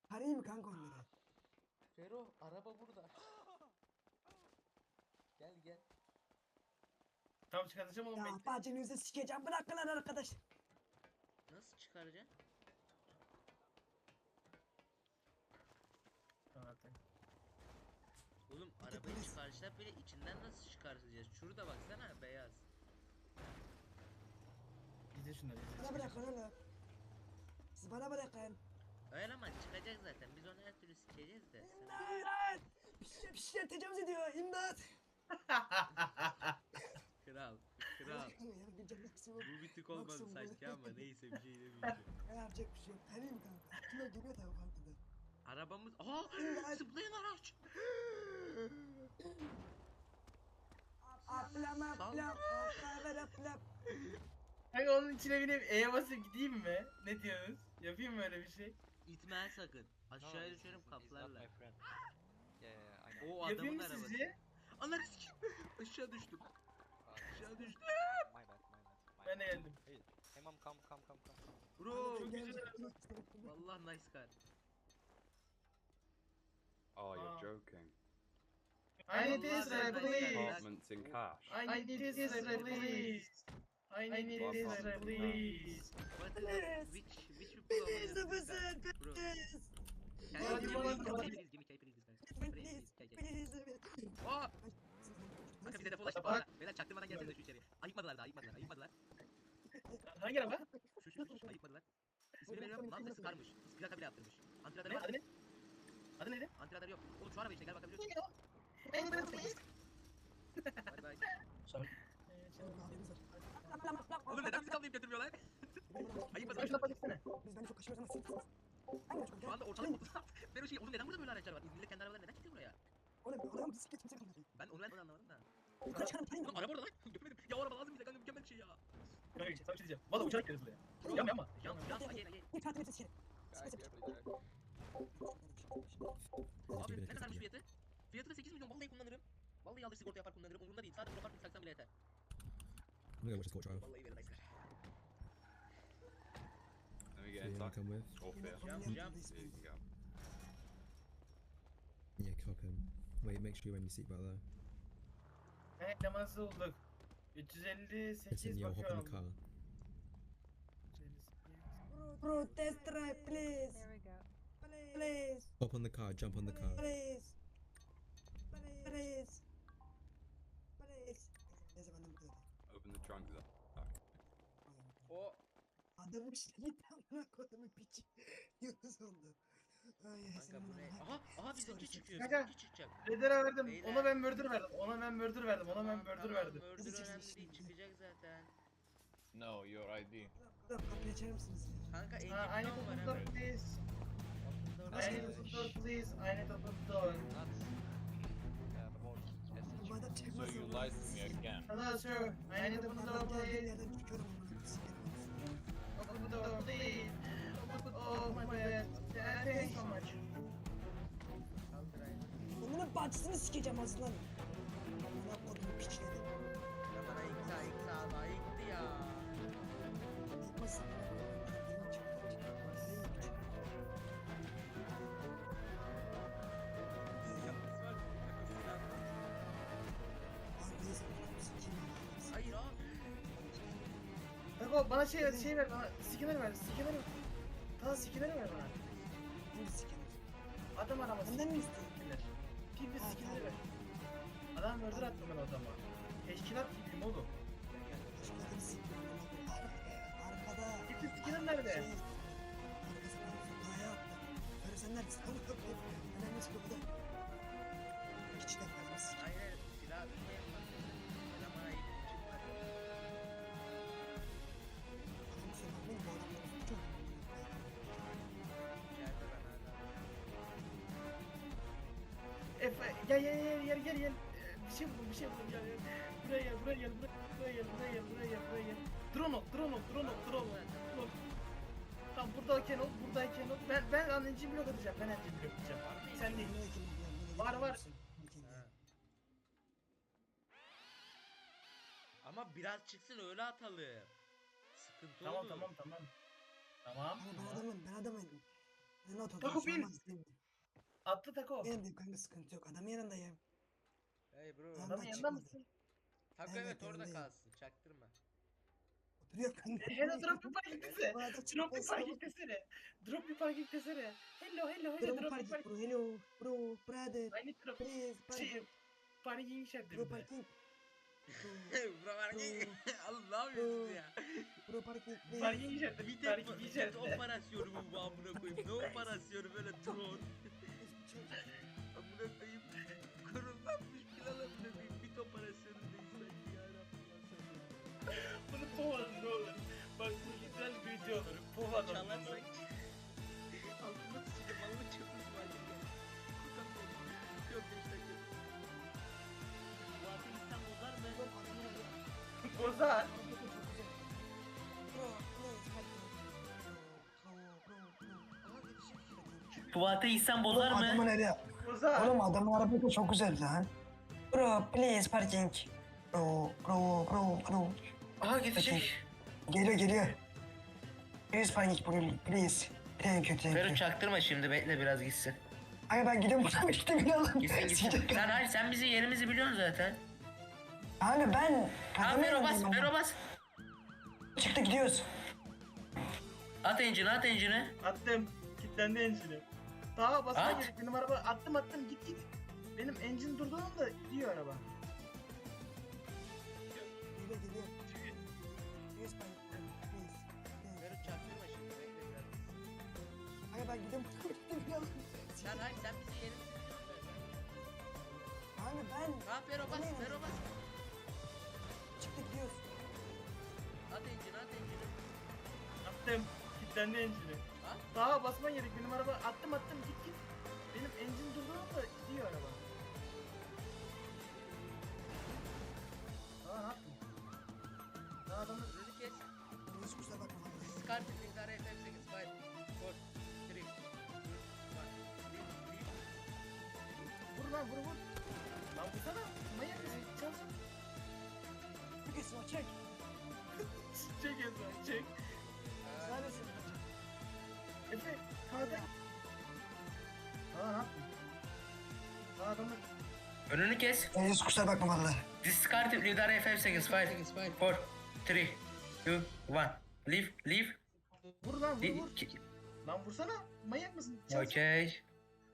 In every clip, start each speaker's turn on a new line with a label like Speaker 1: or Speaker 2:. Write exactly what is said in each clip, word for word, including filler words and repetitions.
Speaker 1: Arayayım mı kanka onları?
Speaker 2: Fero araba burada. Gel gel.
Speaker 3: Tam çıkartacağım oğlum
Speaker 1: Ya
Speaker 3: bekle.
Speaker 1: bacınızı sikeceğim. Bırakın lan arkadaş.
Speaker 2: Nasıl çıkaracaksın?
Speaker 3: Zaten.
Speaker 2: Oğlum arabayı çıkarmışlar böyle içinden nasıl çıkartacağız? Şurada baksana beyaz.
Speaker 3: İzle şunları izle.
Speaker 1: Bana bırakın oğlum. Siz bana bırakın.
Speaker 2: Öyle ama çıkacak zaten. Biz onu her türlü sikeceğiz de. Sen...
Speaker 1: İmdat! Bir şey, bir şeyler tecavüz ediyor. İmdat!
Speaker 2: Kral. Kral.
Speaker 1: Ya bir can maksimum.
Speaker 2: Bu bir tık olmadı
Speaker 1: Maksimum.
Speaker 2: sanki ama neyse bir şey demeyeceğim.
Speaker 1: Ne yapacak bir şey yok. Arayayım mı kanka? Kime geliyor tabii farkında.
Speaker 2: Arabamız... Aa! Zıplayan araç!
Speaker 1: Aplam aplam.
Speaker 2: Sal.
Speaker 1: Aplam aplam.
Speaker 3: Kanka onun içine binip E'ye basıp gideyim mi? Ne diyorsunuz? Yapayım mı öyle bir şey?
Speaker 2: İtme sakın. Aşağıya
Speaker 4: he's-
Speaker 2: düşerim
Speaker 4: he's- he's not
Speaker 2: kaplarla.
Speaker 4: my friend. Yeah, yeah, yeah, I know.
Speaker 2: O
Speaker 3: Yapayım
Speaker 2: adamın
Speaker 3: mı
Speaker 2: arabası.
Speaker 3: sizce?
Speaker 2: Ananı sikeyim. Aşağı düştüm.
Speaker 4: Uh,
Speaker 2: Aşağı düştüm.
Speaker 4: my bad, my bad. My
Speaker 3: Ben de
Speaker 4: bad.
Speaker 3: geldim.
Speaker 4: Hey, hey mom, come, come, come, come, come.
Speaker 2: Bro.
Speaker 3: Çok güzel.
Speaker 2: Vallahi nice car.
Speaker 5: Oh, you're
Speaker 3: Ah.
Speaker 5: joking.
Speaker 3: I need this
Speaker 2: Vallahi
Speaker 3: right,
Speaker 2: ben-
Speaker 3: please.
Speaker 5: Apartments in cash.
Speaker 3: I need this right, please. I need this right, please.
Speaker 2: What is
Speaker 1: Please.
Speaker 2: which which people
Speaker 1: Please,
Speaker 2: are this
Speaker 1: listen,
Speaker 2: car? Bro.
Speaker 1: please.
Speaker 2: Can
Speaker 3: What
Speaker 2: you
Speaker 3: do you
Speaker 2: please,
Speaker 3: want?
Speaker 2: please, please, give me key, please, this guy. Please,
Speaker 1: Please,
Speaker 2: key, key.
Speaker 1: please.
Speaker 2: Aa! Kanka bize defol açtık bana. Beyler çaktırmadan gelsene şu içeri. Ayıkmadılar da ayıkmadılar ayıkmadılar.
Speaker 3: Hangi araba?
Speaker 2: Şu şu şu şu ayıkmadılar. İsmini veriyorum. Lan sesi karmış. Plaka bile yaptırmış. Antiradarı
Speaker 3: Ne?
Speaker 2: var.
Speaker 3: Adı ne? Adı neydi?
Speaker 2: Antiradarı yok. Oğlum şu araba işte gel bakabiliyorsun. Hadi bay.
Speaker 3: Sorry.
Speaker 1: Aplam aplam.
Speaker 2: Oğlum neden bizi kavlayıp götürmüyorlar? Ayıkmadılar.
Speaker 3: Başına baksana.
Speaker 1: Biz bence çok kaçıyoruz ama siz. Hangi başkan?
Speaker 2: Şu anda ortalık mutlu. Ben o şey, oğlum neden burada böyle araçlar var? İzmir'de kendi arabaları neden kilitliyor buraya?
Speaker 1: Oğlum oğlum bisiklet kimse kalmadı.
Speaker 2: Ben onu ben onu anlamadım da.
Speaker 1: Yukarı çıkarım parayı
Speaker 2: Oğlum
Speaker 1: mı?
Speaker 2: araba orada lan. Götürmedim. Ya o araba lazım bize kanka mükemmel bir şey ya.
Speaker 3: Kanka sana bir şey diyeceğim. Valla uçarak geliriz buraya. Yapma yapma.
Speaker 2: Yan yan ayı ayı.
Speaker 1: Bir kartı verirse sikerim.
Speaker 4: Guys, careful, guys.
Speaker 2: Abi ne kadarmış fiyatı? Fiyatı da sekiz milyon vallahi kullanırım. Vallahi alır sigorta yapar kullanırım. Umurumda değil. Sadece profil taksam bile yeter.
Speaker 6: I'm gonna go watch the court trial.
Speaker 2: Vallahi verin nice.
Speaker 5: Let me get
Speaker 6: See who I
Speaker 5: inside.
Speaker 6: come with.
Speaker 5: Or fear.
Speaker 2: Jump, jump.
Speaker 5: Here you can go.
Speaker 6: Yeah, cock him. Wait, make sure you're wearing your seatbelt though.
Speaker 3: Evet namazı olduk. üç yüz elli
Speaker 6: Listen,
Speaker 3: sekiz
Speaker 6: yo, hop in the
Speaker 3: bakıyorum.
Speaker 6: car.
Speaker 3: üç yüz elli sekiz.
Speaker 1: Bro, test drive please.
Speaker 7: There we go.
Speaker 1: Please.
Speaker 6: Hop on the car, jump on the car.
Speaker 1: Please. Please. Please. Neyse ben de burada.
Speaker 5: Open the trunk there.
Speaker 2: O
Speaker 1: Adamın işte gitti amına kodumun piçi. Yunus oldu. Ay ay
Speaker 2: kanka
Speaker 1: senin
Speaker 2: bu ne?
Speaker 1: amına.
Speaker 2: Aha aha bizimki çıkıyor.
Speaker 3: Kanka.
Speaker 2: Bizimki çıkacak.
Speaker 3: Redere verdim.
Speaker 2: Beyler.
Speaker 3: Ona ben murder verdim. Ona ben murder verdim. Ona ben murder
Speaker 2: Tamam,
Speaker 3: verdim.
Speaker 2: Murder
Speaker 1: Bizi
Speaker 2: önemli
Speaker 1: çeksin
Speaker 2: değil
Speaker 1: şimdi.
Speaker 2: çıkacak zaten.
Speaker 4: No, your I D.
Speaker 1: Dur kapıyı açar mısınız ya?
Speaker 2: Kanka elli
Speaker 3: Ha, I need
Speaker 2: milyon
Speaker 3: to
Speaker 2: var
Speaker 3: open the door
Speaker 2: hemen.
Speaker 3: please.
Speaker 2: Open
Speaker 3: I
Speaker 2: door.
Speaker 3: need to open the door please. I need to open the door.
Speaker 4: Not uh, about S H.
Speaker 1: Bu adam
Speaker 4: So
Speaker 1: çekmez.
Speaker 4: you lied to me again.
Speaker 3: Hello sir. I need to open the door
Speaker 1: Adam geldiği
Speaker 3: please.
Speaker 1: yerden çıkıyorum amına sikerim.
Speaker 3: Open the door please. Open- Oh my god. Yeah, thank you so much.
Speaker 1: Bunun bacısını sikeceğim aslan. Amına kodumun piçleri.
Speaker 2: Ya bana yıktı yıktı Allah yıktı ya.
Speaker 1: Yıkmasın. Benim çıktı. Benim çıktı. Abi neyse bunu sikeyim.
Speaker 2: Hayır abi.
Speaker 3: Kanka bana şey şey ver bana. Skinner ver. Skinner ver. Tamam skinner ver bana.
Speaker 1: Şimdi sikerim.
Speaker 3: Adam araması.
Speaker 1: Benden mi istiyorsun?
Speaker 3: Skinner. Pil bir skinner ver. Adam murder attım ben o adama. Teşkilat gibiyim oğlum.
Speaker 1: Başkalarını sikiyorum. Arkada.
Speaker 3: Pil skinner nerede?
Speaker 1: Şey, arkasından sokağa attı. Böyle sen neredesin? Önemli çıkıyor bu da. Piçler bana sikiyor.
Speaker 2: Hayır hayır silah şey yapmaz. Eleman ayıp çıkmaz.
Speaker 1: Adamı söylemeyin bu adamların suçu.
Speaker 2: İçeride ben hala.
Speaker 3: Efe gel gel gel gel gel gel. Ee, Bir şey buldum bir şey buldum gel gel. Buraya gel buraya gel buraya gel buraya gel buraya gel buraya gel. Drone ol drone ol drone ol drone ol. Drone ol. Tamam buradayken ol buradayken ol. Ben ben anneciğim blok atacağım ben anneciğim blok atacağım. Sen değil. Var var.
Speaker 2: Ha. Ama biraz çıksın öyle atalım. Sıkıntı
Speaker 3: Tamam
Speaker 2: olur.
Speaker 3: tamam tamam. Tamam.
Speaker 1: Ama ben adamım, ben adamım. Ben not ol.
Speaker 3: Taco
Speaker 1: bir şey
Speaker 3: bin.
Speaker 1: olmaz, değil mi?
Speaker 3: Atlı Tako.
Speaker 1: Yanındayım kanka, sıkıntı yok. Adamın yanındayım.
Speaker 2: Hey bro.
Speaker 1: Adamlar
Speaker 3: Adamın yanında
Speaker 1: çıkmadı.
Speaker 3: mısın?
Speaker 2: Tako
Speaker 1: Evet,
Speaker 2: evet orada
Speaker 1: yanındayım.
Speaker 2: kalsın. Çaktırma.
Speaker 1: Oturuyor kanka.
Speaker 3: Hello drop bir parking desene.
Speaker 1: Bu arada
Speaker 3: Drop bir
Speaker 1: çıkmaz,
Speaker 3: parking desene. Drop bir parking desene. Hello hello hello
Speaker 1: Bro,
Speaker 3: drop bir
Speaker 1: parking,
Speaker 3: parking.
Speaker 1: bro, hello, bro, brother,
Speaker 3: I need drop.
Speaker 1: please,
Speaker 3: Şey,
Speaker 1: parking,
Speaker 3: parking işaretli
Speaker 1: bro,
Speaker 3: bir de.
Speaker 1: parking,
Speaker 2: Bro var ki. Oğlum ne yapıyorsun ya?
Speaker 1: bro, parking, please.
Speaker 3: Parking işaretli.
Speaker 2: Bir de
Speaker 3: Parking
Speaker 2: bir de
Speaker 3: işaretli.
Speaker 2: operasyonu bu bu amına koyayım. Ne operasyonu böyle drone. Amına koyayım. Kurullanmış plan amına koyayım. Bit operasyonundayız sanki ya Rabbim ya sabır.
Speaker 3: Bunu povalım ne olur. Bak bu güzel bir video olur. Povalım bunu.
Speaker 2: Çalarsak altına sıçacağım. Allah çöpümüz var ya. Kurtar beni. Yok beş dakika. Bu atı insan bozar mı?
Speaker 3: Bozar.
Speaker 1: Bro, please, parking. Bro, bro, bro.
Speaker 2: Aha yetişir.
Speaker 7: Fuat'ı insan bozar
Speaker 8: Adamın
Speaker 7: mı?
Speaker 8: eli.
Speaker 3: Bozar.
Speaker 8: Oğlum adamın arabası çok güzel lan. Bro please parking. Bro bro bro bro.
Speaker 7: Aha gidecek.
Speaker 8: Geliyor geliyor. Please parking bro please. Thank you thank
Speaker 7: Fero
Speaker 8: you.
Speaker 7: çaktırma şimdi bekle biraz gitsin.
Speaker 8: Ay ben gidiyorum buradan gittim inanın.
Speaker 7: Gitsin gitsin. Sen hayır sen bizim yerimizi biliyorsun zaten.
Speaker 8: Abi ben
Speaker 7: Tamam
Speaker 8: adamın
Speaker 7: Fero bas
Speaker 8: yanındayım
Speaker 7: Fero
Speaker 8: ama.
Speaker 7: bas.
Speaker 8: Çıktı gidiyoruz.
Speaker 7: At engine'i at engine'i.
Speaker 3: Attım. Kilitlendi engine'i. Daha basma
Speaker 7: At.
Speaker 3: gerek. Benim araba attım attım git git. Benim engine durduğu anda gidiyor araba.
Speaker 1: Geliyor, geliyor. Please, parking, please.
Speaker 2: Böyle çaktırma şimdi bekle biraz.
Speaker 1: Ay ben gidiyorum, gittim inanın.
Speaker 2: Sen hayır sen bizi yerimizi biliyorsun zaten.
Speaker 1: Abi ben
Speaker 2: Ha Fero bas Fero bas.
Speaker 1: çıktı, gidiyoruz.
Speaker 2: At engine at engine.
Speaker 3: Attım. Kilitlendi engine'i.
Speaker 2: Ha?
Speaker 3: Daha basma gerek. Benim araba attım attım git git. Benim engine durduğu anda gidiyor araba. Daha ne yaptın? Daha adamı
Speaker 2: Önünü kes.
Speaker 1: Hiç kusura bakma. abi.
Speaker 2: Scarpet Link'ler F F sekiz five four three
Speaker 3: vur lan vur vur. Lan vursana. Manyak mısın? Çal.
Speaker 1: Bir kesin o, çek.
Speaker 3: Çek Ezra çek.
Speaker 1: Neredesin?
Speaker 3: Efe kağıda. Daha ne yaptın? Daha adamı
Speaker 7: Önünü kes.
Speaker 8: Hiç kusura bakma valla.
Speaker 7: Discard lider F F sekiz five four three two one. Leave leave.
Speaker 3: vur lan vur
Speaker 7: Li-
Speaker 3: vur.
Speaker 7: ki-
Speaker 3: Lan vursana. Manyak mısın? Çal.
Speaker 7: Okay.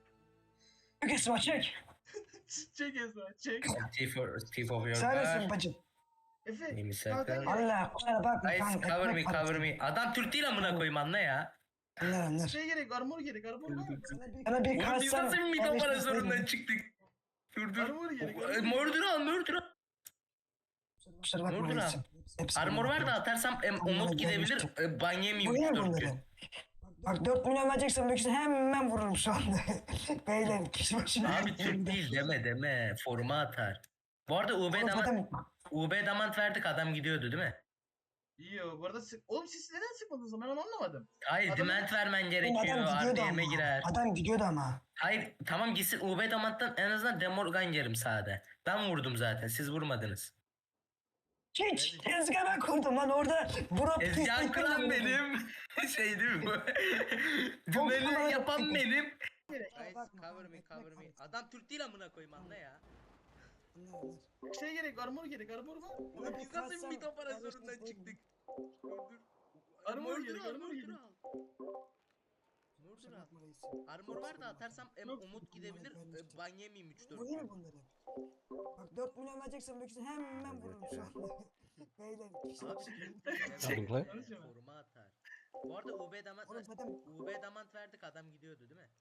Speaker 8: Bir kesin o çek.
Speaker 3: Çek Ezra çek.
Speaker 7: T for T for your
Speaker 8: Sen nesin
Speaker 7: car.
Speaker 8: bacım?
Speaker 3: Efe
Speaker 7: Neyimi
Speaker 3: kağıda
Speaker 7: sakın.
Speaker 3: gel.
Speaker 8: Allah kusura bakma
Speaker 7: Guys
Speaker 8: kanka.
Speaker 7: cover me
Speaker 8: ekmek
Speaker 7: cover
Speaker 8: parası.
Speaker 7: me. Adam Türk değil amına koyayım anla ya.
Speaker 8: Anlar anlar.
Speaker 3: Şey gerek armor gerek armor var.
Speaker 1: Sana bir
Speaker 8: Sana bir
Speaker 7: Oğlum biz
Speaker 8: kalsam.
Speaker 7: nasıl bir mid operasyonundan çıktık? Dur dur.
Speaker 3: Armor gerek.
Speaker 7: E,
Speaker 3: armor.
Speaker 7: Mordor al Mordor al.
Speaker 8: Kusura bakma
Speaker 7: Vurdun ha.
Speaker 8: reisim. Hepsi
Speaker 7: Armor
Speaker 8: benim.
Speaker 7: var da atarsam em,
Speaker 8: Onlara
Speaker 7: Umut gidebilir.
Speaker 8: gelmiştim.
Speaker 7: E, ban yemeyeyim
Speaker 8: Bu ne
Speaker 7: üç dört
Speaker 8: bunları?
Speaker 7: gün.
Speaker 8: Bak dört milyon vereceksen büyük ihtimalle hemen vururum şu anda. Beyler kişi başına.
Speaker 7: Abi Türk değil deme deme. Forma atar. Bu arada U B
Speaker 8: Oğlum
Speaker 7: damant,
Speaker 8: zaten
Speaker 7: U B damant verdik adam gidiyordu değil mi?
Speaker 3: İyi o. Bu arada sık... Oğlum siz neden sıkmadınız ben onu anlamadım.
Speaker 7: Hayır
Speaker 3: Adam-
Speaker 7: dement vermen
Speaker 8: Oğlum
Speaker 7: gerekiyor.
Speaker 8: adam gidiyordu
Speaker 7: R D M'e
Speaker 8: ama.
Speaker 7: girer.
Speaker 8: Adam gidiyordu ama.
Speaker 7: Hayır tamam gitsin U B damanttan en azından Demorgan yerim sahada. Ben vurdum zaten siz vurmadınız.
Speaker 8: Hiç tezgah ben kurdum lan orada. Burak
Speaker 7: Ezcan kıran benim. Şey değil mi bu? Dümeni yapan benim.
Speaker 2: Guys
Speaker 1: Bakma,
Speaker 2: cover me
Speaker 1: ekmek
Speaker 2: cover me.
Speaker 1: parası.
Speaker 2: Adam Türk değil amına koyayım anla ya.
Speaker 1: Anlar, anlar.
Speaker 3: Şey gerek armor gerek armor var.
Speaker 2: Oğlum biz nasıl bir mid operasyonundan
Speaker 1: Kardeşim,
Speaker 2: çıktık? Dur dur.
Speaker 3: Armor
Speaker 2: Mordor
Speaker 3: gerek,
Speaker 2: al
Speaker 3: armor
Speaker 2: Mordor
Speaker 3: gerek.
Speaker 2: al. Mordor
Speaker 1: Kusura
Speaker 2: al.
Speaker 1: bakma reisim.
Speaker 2: Armor var da atarsam em,
Speaker 3: Yok.
Speaker 2: Umut gidebilir. E, ban yemeyeyim üç dört
Speaker 1: Vurayım
Speaker 2: gün.
Speaker 1: mı bunları? Bak dört milyon vereceksen büyük ihtimalle hemen vururum şu anda. Beyler kişi
Speaker 2: Abi
Speaker 1: başına.
Speaker 3: Çek.
Speaker 2: Forma
Speaker 3: Konuşma.
Speaker 2: forma atar. Bu arada U B damant
Speaker 1: Oğlum zaten
Speaker 2: U B damant verdik adam gidiyordu değil mi?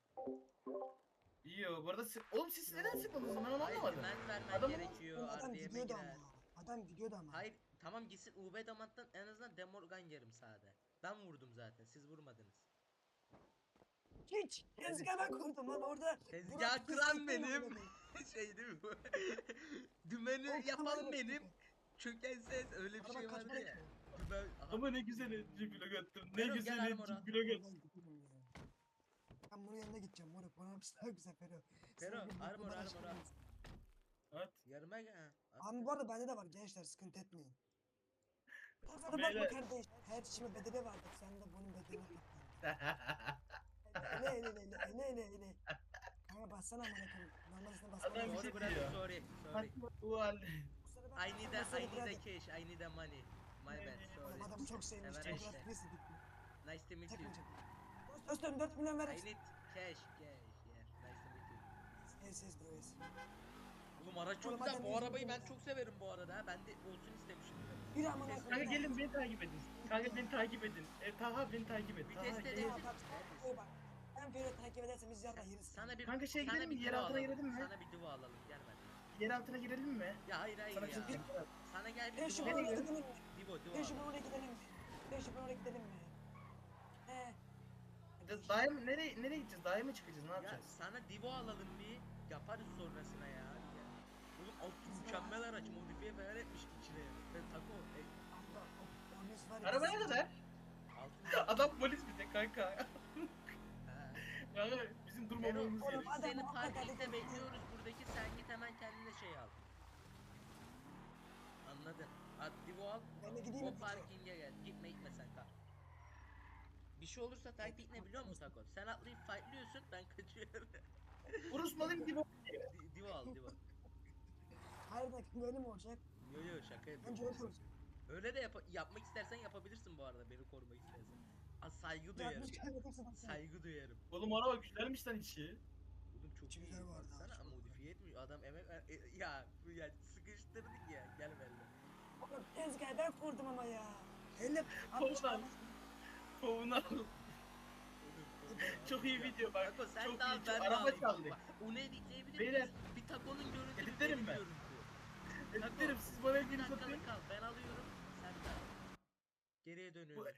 Speaker 3: İyi o. Bu arada sık... Oğlum siz neden sıkmadınız ben onu
Speaker 2: Hayır
Speaker 3: anlamadım.
Speaker 2: dement vermen
Speaker 3: Adam-
Speaker 2: gerekiyor.
Speaker 1: oğlum adam
Speaker 2: R D M'e
Speaker 1: gidiyordu
Speaker 2: girer.
Speaker 1: ama. Adam gidiyordu ama.
Speaker 2: Hayır tamam gitsin U B damanttan en azından Demorgan yerim sahada. Ben vurdum zaten siz vurmadınız.
Speaker 1: Hiç tezgah ben kurdum lan orada.
Speaker 2: Tezgah
Speaker 1: Burak
Speaker 2: kıran
Speaker 1: Kızıltepe
Speaker 2: benim.
Speaker 1: amına koyayım.
Speaker 2: Şey değil mi bu? Dümeni
Speaker 1: O
Speaker 2: yapan
Speaker 1: kamera
Speaker 2: benim.
Speaker 1: bakıyor.
Speaker 2: Çöken ses öyle bir
Speaker 1: Araba
Speaker 2: şey
Speaker 1: kaç
Speaker 2: vardı
Speaker 1: para
Speaker 2: ya.
Speaker 1: ki?
Speaker 2: Dümen... Aha.
Speaker 3: Ama ne güzel etçi blok attım. Ne
Speaker 2: Ferhat, gel
Speaker 3: güzel
Speaker 2: armora.
Speaker 3: etçi blok attım.
Speaker 1: Ben gidiyorum ya. Ben bunun yanına gideceğim moruk. Bana hapis daha güzel Fero.
Speaker 2: Fero,
Speaker 1: Sana bir
Speaker 2: armor,
Speaker 1: mutlu
Speaker 2: armor,
Speaker 1: başka
Speaker 2: al.
Speaker 1: bir-
Speaker 3: At.
Speaker 2: Yarıma gel. ha.
Speaker 1: Abi bu arada bende de var gençler, sıkıntı etmeyin. Kafana bakma
Speaker 3: Beyler.
Speaker 1: kardeş. Her şeyin bedeli vardır. Sen de bunun bedelini katlan. Ne ne ne bassana amına koyayım. Normalde
Speaker 3: Adam
Speaker 1: basmam.
Speaker 3: bir
Speaker 2: Sorry
Speaker 3: şey
Speaker 2: brother,
Speaker 3: diyor.
Speaker 2: sorry. Sorry.
Speaker 3: Fatma bu halde.
Speaker 2: I need a, I need a cash, I need a money. My bad,
Speaker 1: Oğlum
Speaker 2: sorry.
Speaker 1: adamı çok sevmiş.
Speaker 2: Sever
Speaker 1: Çok
Speaker 2: işte.
Speaker 1: rahat birisi gitti.
Speaker 2: Nice to meet you.
Speaker 1: Takmayacak. Dostum dört milyon ver.
Speaker 2: I need cash, cash, yeah. Nice to meet you.
Speaker 1: Yes yes bro yes.
Speaker 2: Oğlum araç çok
Speaker 1: Oğlum
Speaker 2: güzel.
Speaker 1: adam
Speaker 2: Bu
Speaker 1: yüzünü
Speaker 2: arabayı ben
Speaker 1: bulmuş.
Speaker 2: çok severim bu arada. ha. Ben de olsun istemişim.
Speaker 1: Yürü amına
Speaker 2: Ses-
Speaker 3: Kanka
Speaker 1: koyayım.
Speaker 3: gelin beni takip edin. Kanka beni takip edin. E, Taha beni takip et. Taha
Speaker 2: Viteste
Speaker 3: gel.
Speaker 2: de-
Speaker 1: Tamam tamam. Koy bak. Ben böyle takip edersem biz yarın yeriz.
Speaker 2: Sana bir
Speaker 3: Kanka şey
Speaker 2: sana
Speaker 3: gidelim mi?
Speaker 2: bir
Speaker 3: Yer
Speaker 2: duva
Speaker 3: altına
Speaker 2: alalım.
Speaker 3: girelim mi?
Speaker 2: Sana bir duva alalım. Gel ben.
Speaker 3: Yer altına girelim mi?
Speaker 2: Ya hayır hayır
Speaker 3: Sana bir
Speaker 2: ya.
Speaker 3: şey diyeyim mi?
Speaker 2: Sana gel
Speaker 1: Ben
Speaker 2: bir
Speaker 1: şu
Speaker 2: duva
Speaker 1: oraya
Speaker 2: alalım.
Speaker 1: gidelim mi?
Speaker 2: Divo duva
Speaker 1: Ben şu
Speaker 2: alalım.
Speaker 1: oraya gidelim mi? Ben şu oraya gidelim mi? He.
Speaker 3: Biz Dağa mı? Nereye, nereye gideceğiz? Dağa mı çıkacağız? Ne
Speaker 2: Ya
Speaker 3: yapacağız?
Speaker 2: sana divo alalım bir. Yaparız sonrasına ya. Hadi gel. Oğlum altı mükemmel araç modifiye falan etmiş içine. Ben taco. E,
Speaker 1: Allah o polis var ya.
Speaker 3: Araba ne kadar?
Speaker 2: altı
Speaker 3: Adam polis bir de kanka.
Speaker 2: Ha.
Speaker 3: Yani bizim
Speaker 2: Pero,
Speaker 3: durmamamız
Speaker 1: Oğlum,
Speaker 2: biz
Speaker 3: gerekiyor.
Speaker 1: adam
Speaker 2: seni
Speaker 1: muhakkak
Speaker 2: parkingde
Speaker 1: adam-
Speaker 2: bekliyoruz buradaki, sen git hemen kendine şey al. Anladın? Hadi divo al,
Speaker 1: Ben de gideyim
Speaker 2: o
Speaker 1: mi?
Speaker 2: parkinge gel. Gitme gitme sen kal. Bir şey olursa taktik ne biliyor musun Taco? Sen atlayıp fightlıyorsun, ben kaçıyorum.
Speaker 3: Vuruşmalıyım gibi.
Speaker 2: Di- divo al divo.
Speaker 1: Hayır da böyle mi olacak?
Speaker 2: Yo yo şaka
Speaker 1: Bence
Speaker 2: yapıyorum.
Speaker 1: öyle olacak.
Speaker 2: Öyle de yap- yapmak istersen yapabilirsin bu arada, beni korumak istersen. Aa, saygı
Speaker 1: Ya
Speaker 2: duyarım.
Speaker 1: biz kaybederse nasıl?
Speaker 2: Saygı duyarım.
Speaker 3: Oğlum araba güzelmiş lan içi.
Speaker 2: Oğlum çok
Speaker 1: İçi
Speaker 2: iyi.
Speaker 1: güzel bu arada,
Speaker 2: Baksana
Speaker 1: çok
Speaker 2: modifiye etmiyor. Adam emek ver- e, ya bu ya sıkıştırdık ya. Gel benimle.
Speaker 1: Oğlum tezgahı ben kurdum ama ya. Hele
Speaker 3: Kovdan. Kovuna.
Speaker 2: Oğlum,
Speaker 3: Çok iyi video bak.
Speaker 2: Taco sen
Speaker 3: Çok
Speaker 2: de al
Speaker 3: iyi.
Speaker 2: ben de
Speaker 3: Araba
Speaker 2: alayım.
Speaker 3: çaldık.
Speaker 2: Bak, onu editleyebilir
Speaker 3: Beyler.
Speaker 2: miyiz? Bir takonun görüntüsü.
Speaker 3: Editlerim
Speaker 2: benim
Speaker 3: ben.
Speaker 2: görüntü.
Speaker 3: Editlerim siz bana
Speaker 2: Bir
Speaker 3: elinizi atın.
Speaker 2: dakikalık kal. Ben alıyorum. Sen de al. Geriye dönüyorum.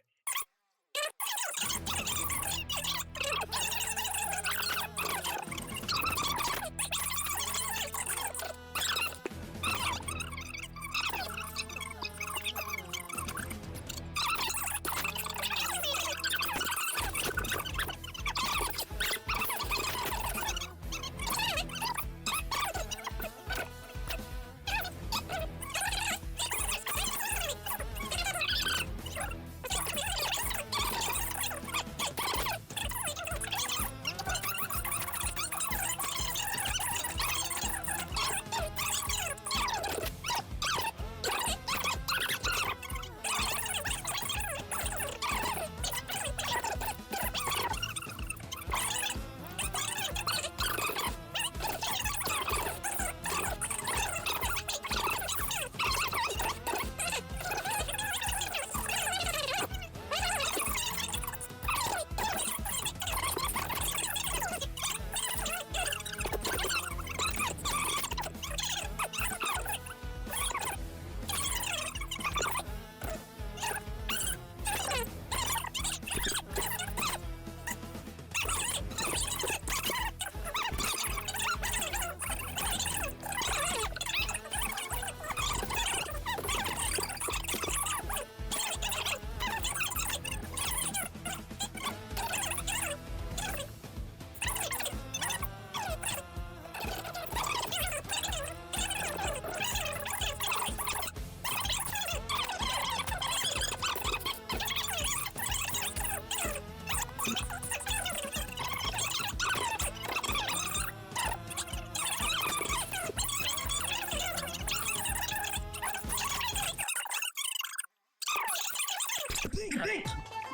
Speaker 8: Köpek.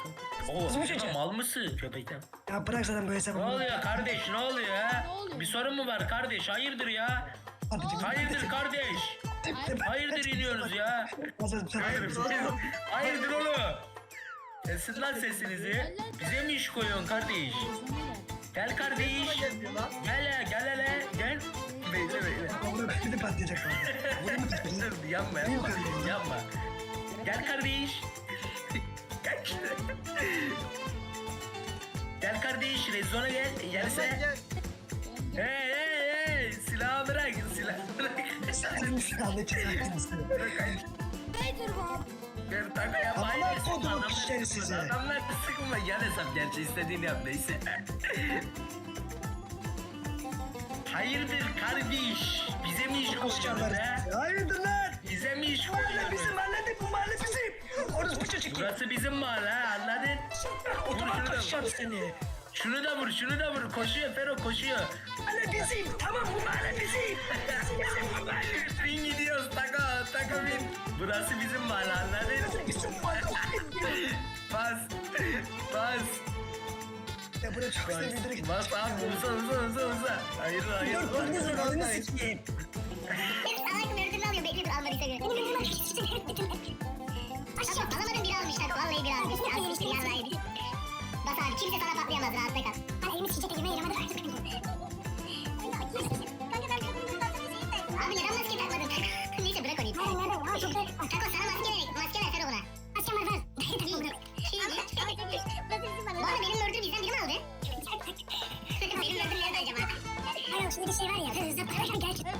Speaker 7: Oo,
Speaker 8: Kızım çocuğu.
Speaker 7: mal mısın köpekten?
Speaker 8: Ya bırak zaten bu hesabı.
Speaker 7: Ne oluyor kardeş, ne oluyor ya?
Speaker 9: Ne oluyor?
Speaker 7: Bir sorun mu var kardeş? Hayırdır ya? Hayırdır kardeş? Hayırdır iniyorsunuz ya? Hayırdır, hayırdır oğlum? Kesin lan sesinizi. Bize mi iş koyuyorsun kardeş? Gel kardeş. Gel ya, gel hele, gel. Bekle bekle.
Speaker 8: Burada bir de patlayacak. Burada mı patlayacak?
Speaker 7: Dur, yapma yapma. Yapma. Gel kardeş. Gel işte. Gel kardeş, rezona gel. Gelse. Hey hey hey. Silahı bırak, silahı bırak.
Speaker 8: Sen silahlı çıkacaksın.
Speaker 9: Nedir bu?
Speaker 7: Gel taka yap.
Speaker 8: Amına
Speaker 7: Hayır,
Speaker 8: kodumun
Speaker 7: adamlar
Speaker 8: pisleri
Speaker 7: sıkma,
Speaker 8: sizi.
Speaker 7: Adamlar sıkma. Yan hesap gerçi istediğini yap neyse. Hayırdır kardeş? Bize mi iş koyuyorsunuz he?
Speaker 8: Hayırdır lan?
Speaker 7: Bize mi iş
Speaker 8: Mahalle
Speaker 7: koyuyorsunuz?
Speaker 8: bizim mahalle bu mahalle bizim. Orası bu çocuk.
Speaker 7: Burası bizim mahalle ha, anladın?
Speaker 8: Otobak kaçacağım seni.
Speaker 7: Şunu da vur, şunu da vur. Koşuyor Fero, koşuyor.
Speaker 8: Hala bizim. Tamam bu hala bizim.
Speaker 7: Bin gidiyoruz, tako, tako bin. Burası bizim mahalle, anladın? Bas, bas.
Speaker 8: Ya buraya çok güzel bir direkt.
Speaker 7: Bas abi, uza, uza, uza, uza. Hayır, hayır.
Speaker 8: Dur dur dur ananı sikeyim.
Speaker 9: Salak mürdümü alıyor. Bekle dur almadıysa göre. Aşağı alamadın biri almışlar. Vallahi biri almıştır. Almıştır yarraydı. Bas abi kimse sana patlayamaz. Rahatla kal. Hani elimi çiçekle girmeye yaramadı. Abi neden maske takmadın? Neyse bırak onu. Hayır neden ya? Çok Tako sana maske ver. Maske ver Fero buna. Maskem var ver. Bu arada benim mürdüm bizden biri mi aldı? Benim mürdüm nerede acaba? Hayır şimdi bir şey var ya. Hızlı parayla gerçekten.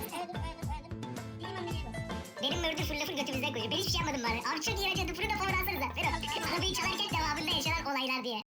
Speaker 9: Benim mürdüm full lafın götümüzden koyuyor. Ben hiçbir şey yapmadım bari. Abi çok iyi acı. Dupuru da power alsanıza. Fero. Arabayı çalarken devamında yaşanan olaylar diye.